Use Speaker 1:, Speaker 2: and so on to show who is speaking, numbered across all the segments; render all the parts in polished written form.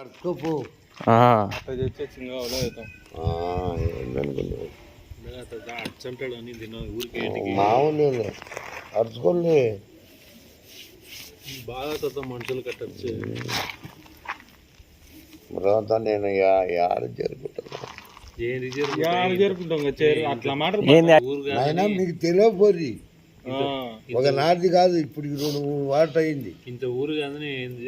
Speaker 1: మామూలు అరుచుకోండి
Speaker 2: బాగా మనుషులు కట్టచ్చు
Speaker 1: తర్వాత నేను యాడ
Speaker 2: జరుపుకుంటాం అట్లా మాట
Speaker 1: మీకు తెలియపోరి ఒక నాటిది కాదు ఇప్పుడు 2 వాటర్ అయింది
Speaker 2: ఇంత ఊరు కాదని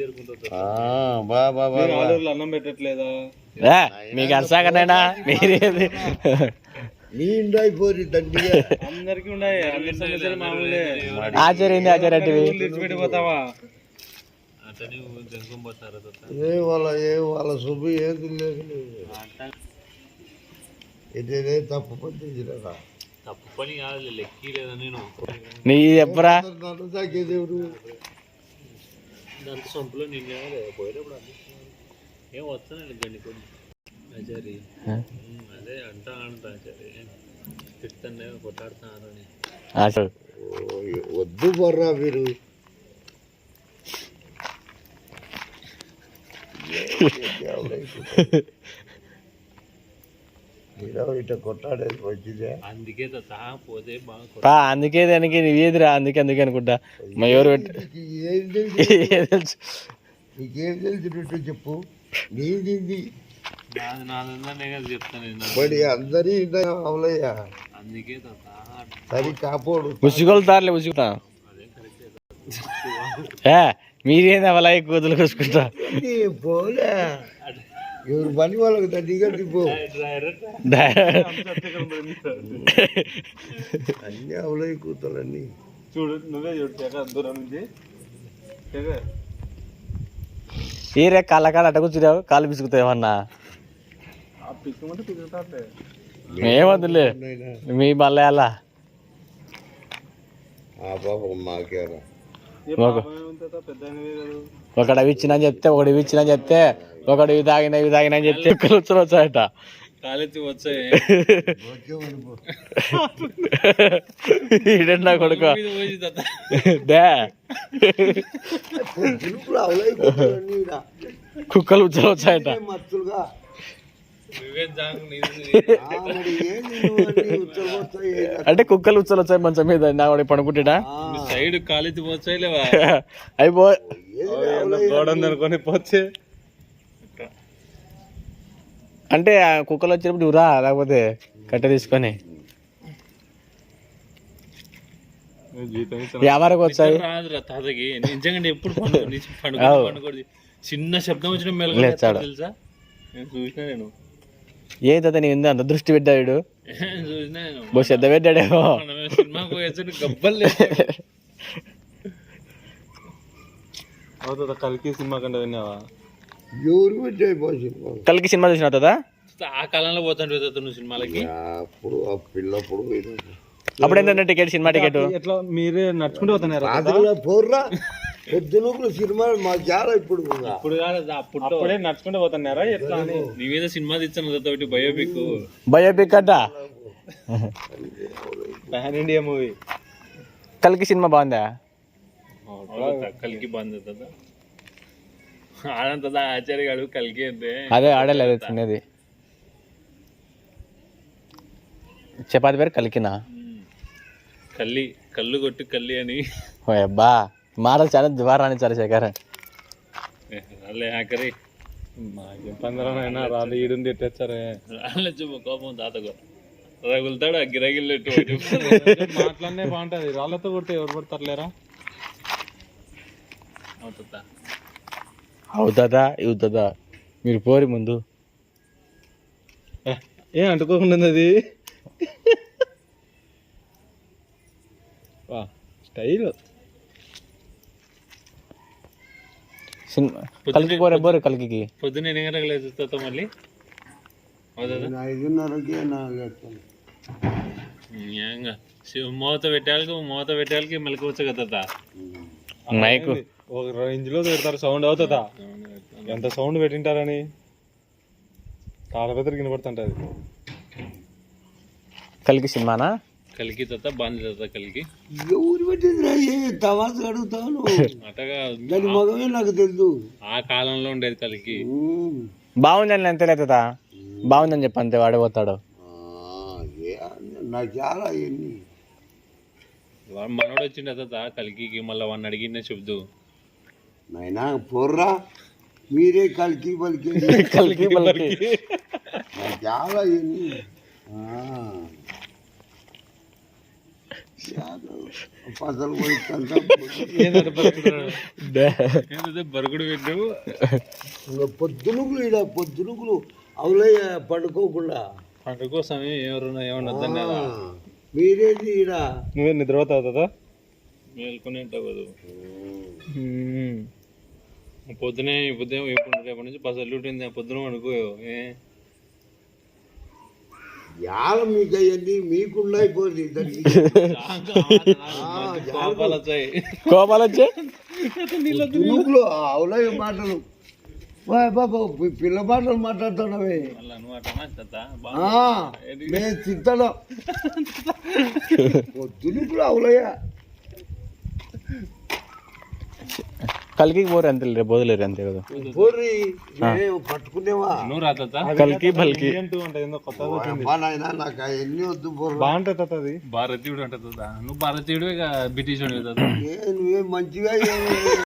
Speaker 2: అన్నం పెట్టట్లేదా
Speaker 3: మీకు అర్సాకనైనా మీరేది
Speaker 1: నీ ఇంటి అయిపోయి దండిగా
Speaker 2: అందరికి ఉన్నాయి మామూలే
Speaker 3: ఆచార్యంది ఆచార్యటివి
Speaker 2: విడిచిపెట్టిపోతావా
Speaker 1: ఏ వాళ్ళ శుభ ఏది లేదు ఇదే తప్పు పట్టించిరా
Speaker 2: తప్పు పని కాదు లెక్కి లేదా నేను
Speaker 3: నీ చెప్పరా
Speaker 1: దేవుడు
Speaker 2: దాంతో సొంపులో నేను పోయేటప్పుడు ఏం వస్తానండి గండి కొన్ని ఆచారి అదే అంటా ఆచారి తిట్టండి కొట్టాడుతున్నారని
Speaker 1: వద్దు బొర్రా మీరు ఇట కొట్టాడేది మంచిదే
Speaker 2: అందుకే పోతే
Speaker 3: అందుకే దానికి నీవేదిరా అందుకే అనుకుంటా మా ఎవరు
Speaker 1: తెలుసు నీకేం తెలిసినట్టు చెప్పు నీది
Speaker 2: చెప్తాను
Speaker 1: అందరి అవలయ్యా
Speaker 2: అందుకే
Speaker 1: సరి కాపోడు
Speaker 3: ఉసుగొలుతారులే ఉసుగుతా మీరేంది అవలా కూతులు కూసుకుంటా
Speaker 1: పోలే ఎవరు పని వాళ్ళకి దండిగా పో అన్నీ అవలయ్య కూతులన్నీ
Speaker 2: చూడు నువ్వే చూడు దూరం నుంచి
Speaker 3: ఏరే కాళ్ళ కాళ్ళ అట్ట కూర్చున్నావు కాళ్ళు పిసుకుతావు ఏమన్నా ఏమద్దులే మీ బల్ల
Speaker 1: మాకేరా
Speaker 3: ఒకడు అవి ఇచ్చినా చెప్తే ఒకటి ఇవి ఇచ్చినా చెప్తే ఒకడు ఇవి తాగిన అని చెప్తే కుక్కలు వచ్చాయట
Speaker 2: కాలెత్తి వచ్చాయి
Speaker 3: ఈడన్నా కొడుకు కుక్కలు ఉచ్చలు వచ్చాయట అంటే కుక్కలు ఉచ్చలు వచ్చాయి మంచం మీద నా వాడి పడుకుంటా
Speaker 2: సైడ్ కాలెత్తి వచ్చాయి లేవా
Speaker 3: అయిపో
Speaker 2: అనుకొని పోతే
Speaker 3: అంటే కుక్కలు వచ్చినప్పుడు ఊరా లేకపోతే కట్ట తీసుకొని వ్యాపారకు వచ్చాయి
Speaker 2: రాదురా తాతకి నిజంగా ఎప్పుడు పండుగ చిన్న శబ్దం వచ్చిన మెలగొచ్చాడు తెలుసా నేను చూసినా నేను
Speaker 3: ఏ తాత నీ అంత దృష్టి పెట్టాడు
Speaker 2: చూసినా
Speaker 3: బో శ్రద్ధ పెట్టాడేమో
Speaker 2: సినిమాకు గబ్బలు అవుతుందా కల్కి సినిమా కంటే విన్నావా
Speaker 3: కల్కి సినిమా చూసిన తాత
Speaker 2: ఆ కాలంలో పోతాంటే నువ్వు సినిమాలకి
Speaker 1: అప్పుడు ఆ పిల్లప్పుడు
Speaker 3: అప్పుడు ఏంటంటే టికెట్ సినిమా టికెట్
Speaker 2: ఎట్లా మీరే నడుచుకుంటూ పోతున్నారు
Speaker 1: పోర్రా పొద్దున సినిమా మా చాలా ఇప్పుడు
Speaker 2: కాదు అప్పుడే నడుచుకుంటూ పోతున్నారా ఎట్లా అని నీ మీద సినిమా తెచ్చాను
Speaker 3: బయోపిక్ అట
Speaker 2: పాన్ ఇండియా మూవీ
Speaker 3: కల్కి సినిమా బాగుందా
Speaker 2: కల్కి బాగుంది కదా ఆడంతా ఆచార్య గాడు కల్కి అంటే
Speaker 3: అదే ఆడలేదు తినేది చపాతి పేరు కలికినా
Speaker 2: కళ్ళు కొట్టు కల్లి అని
Speaker 3: ఓ అబ్బా మాటలు చాలా దువారాని చాలా శేఖర్
Speaker 2: రాలే ఆఖరి మాకేం పందరైనా రాళ్ళు ఈడుంది ఎట్టేచ్చారే రాళ్ళ కోపం తాతకు రగులుతాడు ఆ గిరగిల్లు మాట్లాడినే బాగుంటుంది రాళ్ళతో కొడితే ఎవరు పడతారులేరా
Speaker 3: అవుతుందా మీరు పోరి ముందు
Speaker 2: ఏం అంటుకోకుండా అది స్టైల్
Speaker 3: కలికి పోరే కలికి
Speaker 2: పొద్దున్న ఎన్ని గంటలకు లేచుతా మళ్ళీ
Speaker 1: 5:30కి
Speaker 2: మూత పెట్టాలకి మెలకవచ్చు కదా
Speaker 3: మైక్
Speaker 2: ఒక రేంజ్ లో పెడతారు సౌండ్ అవుతుందా ఎంత సౌండ్ పెట్టింటారని తాళపత్రికి వినపడుతుంటది
Speaker 3: కలికి సినిమానా
Speaker 2: కలికి తాత బాంది తాత కలికి
Speaker 1: ఎవరు పెట్టిందిరా ఏ తమాస అడుగుతాను
Speaker 2: అటగా
Speaker 1: దాని మగమే నాకు తెలుసు.
Speaker 2: ఆ కాలంలో ఉండేది కలికి.
Speaker 3: బాగుందని అంతే తాత, బాగుందని చెప్పి అంతే వాడే పోతాడు.
Speaker 1: నాకు చాలా ఎన్ని
Speaker 2: మనోడు వచ్చిండ తాత కలికి, మళ్ళీ వాడిని అడిగిందే చెబుతూ
Speaker 1: నాయనా పోర్రా మీరే కలికి పలికి
Speaker 3: కలికి పలికి
Speaker 1: నాకు చాలా ఎన్ని పసలు పోయిస్తా
Speaker 2: బరుగుడు పెట్టావు.
Speaker 1: ఇంకా పొద్దునుకులు ఇడ పొద్దునుకులు అవులయ్య పండుకోకుండా
Speaker 2: పంట కోసమే ఎవరున్నా ఏమన్నా
Speaker 1: మీరేది ఈడ
Speaker 3: నువ్వే నిద్రపోతావు తాత.
Speaker 2: మేల్కొని ఉంటావు కదా పొద్దునే రేపటి నుంచి పసలు ఉంటుంది పొద్దున అనుకో
Speaker 1: యాల మీకు అవన్నీ మీకున్నాయి పోయి
Speaker 2: కోపాలు వచ్చాయి.
Speaker 3: కోపాలు వచ్చే
Speaker 1: తునుకులు అవులయ్య మాటలు బాబా పిల్ల మాటలు మాట్లాడుతున్నావే నేను తింటాను తునుకులు అవులయ్య
Speaker 3: కలికి పోరు అంతే, రేపు వదిలేరు అంతే కదా.
Speaker 1: పోర్రి పట్టుకునేవా
Speaker 2: నువ్వు రాత
Speaker 3: కలికి బల్కి
Speaker 1: నాయన నాకు అవన్నీ వద్దు పోర్రా.
Speaker 3: బాగుంటుంది తాత అది.
Speaker 2: భారతీయుడు అంట నువ్వు భారతీయుడు ఇక బ్రిటిష్
Speaker 1: నువ్వే మంచిగా